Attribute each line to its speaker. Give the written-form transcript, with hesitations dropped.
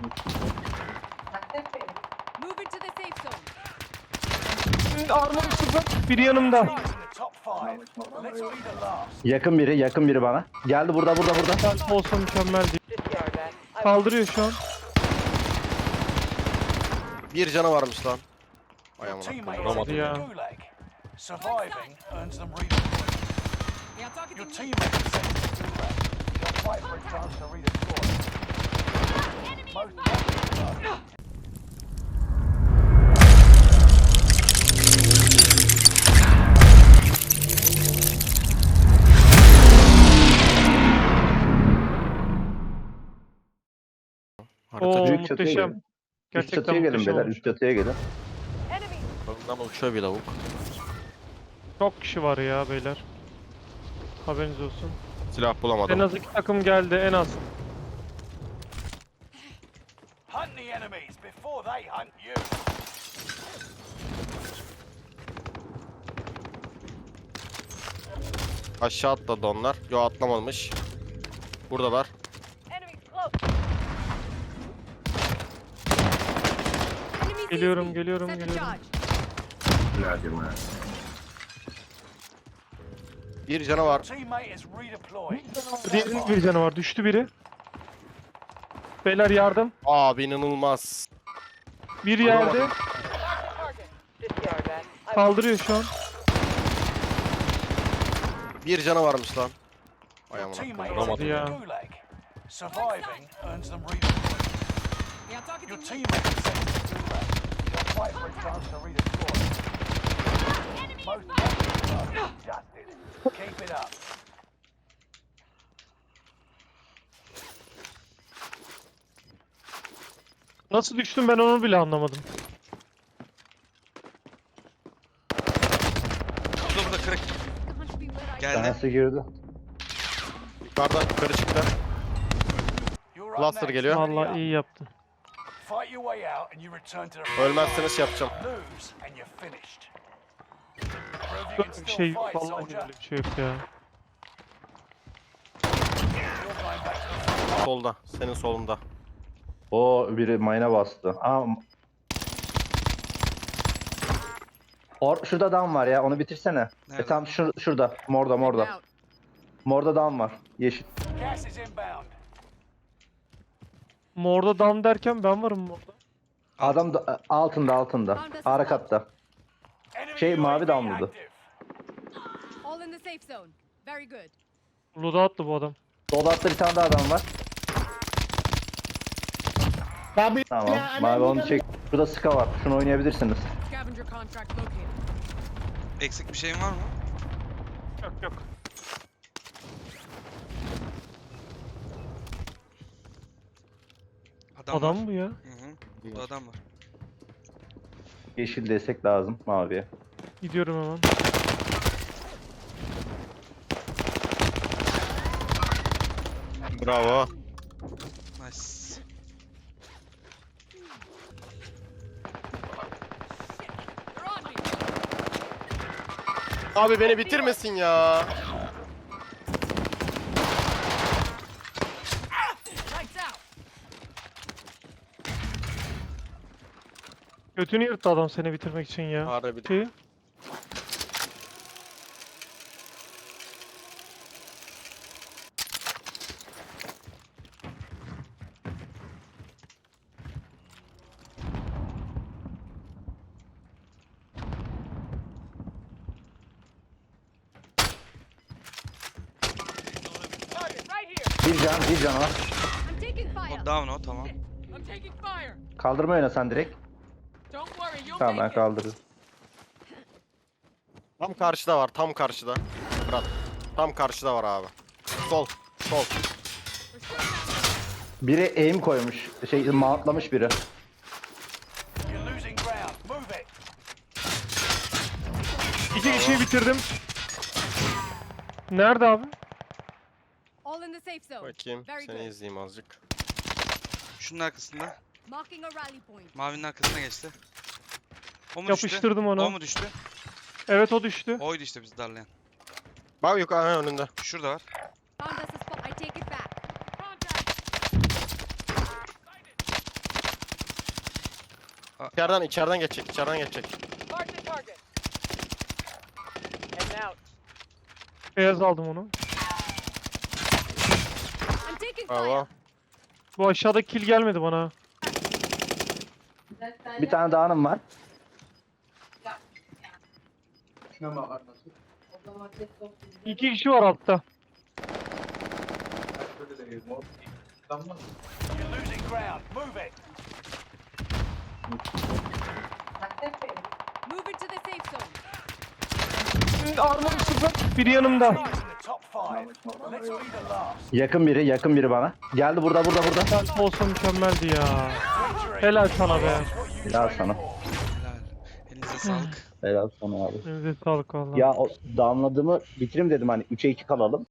Speaker 1: Move into the safe zone.
Speaker 2: Armor sıfır. Biri yanımda.
Speaker 3: Yakın biri bana. Geldi burada.
Speaker 2: Ben olsa mükemmel değil. Kaldırıyor şu an.
Speaker 4: Bir canı varmış lan. Ay
Speaker 5: Your
Speaker 4: amına
Speaker 5: teammate
Speaker 4: koyayım,
Speaker 5: is in
Speaker 4: vuramadım.
Speaker 5: the
Speaker 2: ya.
Speaker 5: gulag. Surviving earns them redeployment.
Speaker 1: They are targeting
Speaker 5: Your
Speaker 1: me.
Speaker 5: teammate is sent to the gulag. They'll fight for a chance to redeploy. Most likely.
Speaker 4: Harita
Speaker 2: Oo
Speaker 3: büyük çatıya
Speaker 2: muhteşem.
Speaker 3: gelin. Üst
Speaker 2: Gerçekten
Speaker 3: çatıya gelin
Speaker 2: muhteşem
Speaker 3: beyler.
Speaker 2: olmuş.
Speaker 3: Üst çatıya gelin.
Speaker 4: Bundan uçuyor bir lavuk.
Speaker 2: Çok kişi var ya beyler. Haberiniz olsun.
Speaker 4: Silah bulamadım.
Speaker 2: En az 2 takım geldi en az.
Speaker 5: Hunt the enemies before they hunt you.
Speaker 4: Aşağı atladı onlar. Yo atlamamış. Buradalar.
Speaker 1: Enemies close. Enemy
Speaker 2: Geliyorum,
Speaker 1: sees me.
Speaker 2: geliyorum,
Speaker 1: Set the
Speaker 2: geliyorum.
Speaker 1: charge.
Speaker 4: Bir canı var.
Speaker 5: Teammate is redeployed.
Speaker 2: Diğerinin bir canı var. Düştü biri. Beyler yardım.
Speaker 4: Abi inanılmaz.
Speaker 2: Bir yerde. Kaldırıyor şu an.
Speaker 4: Bir canı varmış lan. Ay
Speaker 5: Your
Speaker 4: amına
Speaker 5: teammate
Speaker 4: koyayım,
Speaker 5: is in
Speaker 4: vuramadım.
Speaker 5: the
Speaker 2: Ya.
Speaker 5: gulag. Surviving earns them redeployment.
Speaker 1: They are targeting
Speaker 5: Your
Speaker 1: me.
Speaker 5: teammate is sent to the gulag. They'll fight for a chance to redeploy. Most likely justice. Keep it up.
Speaker 2: Nasıl düştüm ben onu bile anlamadım.
Speaker 6: Burada kırık.
Speaker 1: Can't be where I
Speaker 6: Geldi.
Speaker 3: Tanesi girdi.
Speaker 4: Yukarıdan yukarı çıktı.
Speaker 5: You're up
Speaker 4: Cluster
Speaker 5: next.
Speaker 4: geliyor.
Speaker 5: Ready
Speaker 2: Vallahi
Speaker 5: up.
Speaker 2: iyi yaptın.
Speaker 5: Fight your way out and you return to the
Speaker 4: Ölmezseniz şey yapacağım.
Speaker 5: lose and you're finished. Prove you can
Speaker 2: Böyle bir
Speaker 5: still
Speaker 2: şey
Speaker 5: fight,
Speaker 2: vallahi
Speaker 5: soldier.
Speaker 2: böyle bir şey yok ya.
Speaker 5: You're going back to the
Speaker 4: Solda. Senin solunda.
Speaker 3: O biri mayına bastı. Şurada dam var ya. Onu bitirsene.
Speaker 6: Nerede?
Speaker 3: Tam şurada. Morda.
Speaker 1: out.
Speaker 3: Morda dam var. Yeşil.
Speaker 5: gas is inbound.
Speaker 2: Morda dam derken ben varım morda.
Speaker 3: Adam da, altında. Ara katta.
Speaker 5: Enemy
Speaker 3: mavi
Speaker 5: UAV
Speaker 3: damladı.
Speaker 5: active.
Speaker 1: All in the safe zone. Very good.
Speaker 2: Loot'a attı bu adam.
Speaker 3: Solda bir tane daha adam var. Tamam. Mavi onu çek. Şurada Ska var. Şunu oynayabilirsiniz.
Speaker 1: Scavenger contract located.
Speaker 6: Eksik bir şeyin var mı?
Speaker 2: Yok. Adam
Speaker 6: var.
Speaker 2: mı ya?
Speaker 6: Hı hı. Burada adam var.
Speaker 3: Yeşil destek lazım maviye.
Speaker 2: Gidiyorum hemen.
Speaker 4: Bravo.
Speaker 6: Nice.
Speaker 1: They're on me.
Speaker 4: Abi beni bitirmesin ya.
Speaker 1: Lights out.
Speaker 2: Götünü yırttı adam seni bitirmek için ya.
Speaker 4: Harbi.
Speaker 2: Şeyi.
Speaker 1: Target right here.
Speaker 3: Bir can var.
Speaker 1: I'm taking fire.
Speaker 6: O down o tamam.
Speaker 1: I'm taking fire.
Speaker 3: Kaldırma oyna sen direkt.
Speaker 1: Don't worry, you'll
Speaker 3: Tamam ben
Speaker 1: make it.
Speaker 3: kaldırırım.
Speaker 4: Tam karşıda var. Tam karşıda. Fırat. Tam karşıda var abi. Sol. Sol.
Speaker 3: Biri aim koymuş. Mountlamış biri.
Speaker 5: You're losing ground. Move it.
Speaker 2: 2 kişiyi bitirdim. Nerede abi?
Speaker 1: All in the safe zone.
Speaker 4: Bakayım.
Speaker 1: Very
Speaker 4: Seni
Speaker 1: good.
Speaker 4: izleyeyim azıcık.
Speaker 6: Şunun arkasında.
Speaker 1: Marking a rally point.
Speaker 6: Mavinin arkasına geçti. O mu
Speaker 2: Yapıştırdım
Speaker 6: düştü?
Speaker 2: onu.
Speaker 6: O mu düştü?
Speaker 2: Evet o düştü.
Speaker 6: Oydu işte bizi darlayan.
Speaker 4: Bak yukarı hemen önünde.
Speaker 6: Şurada var.
Speaker 1: Found us a spot. I take it back. Contact.
Speaker 4: İçeriden geçecek, içeriden geçecek.
Speaker 1: Mark the target. Heading out.
Speaker 2: Beyaz aldım onu.
Speaker 1: I'm taking
Speaker 4: Bravo.
Speaker 1: fire.
Speaker 2: Bu aşağıda kill gelmedi bana.
Speaker 3: Bir tane dağınım var.
Speaker 2: İki kişi var altta.
Speaker 5: You're losing ground. Move it.
Speaker 1: Move into the safe zone.
Speaker 2: Armor sıfır. Biri yanımda.
Speaker 5: Guys in the top 5. Let's be the last.
Speaker 3: Yakın biri bana. Geldi burada.
Speaker 2: Self olsa mükemmeldi ya. Helal sana be.
Speaker 3: Helal sana.
Speaker 6: Helal. Elinize sağlık.
Speaker 3: Helal sana abi.
Speaker 2: Elinize sağlık valla.
Speaker 3: Ya o damladığımı bitireyim dedim hani 3'e 2 kalalım.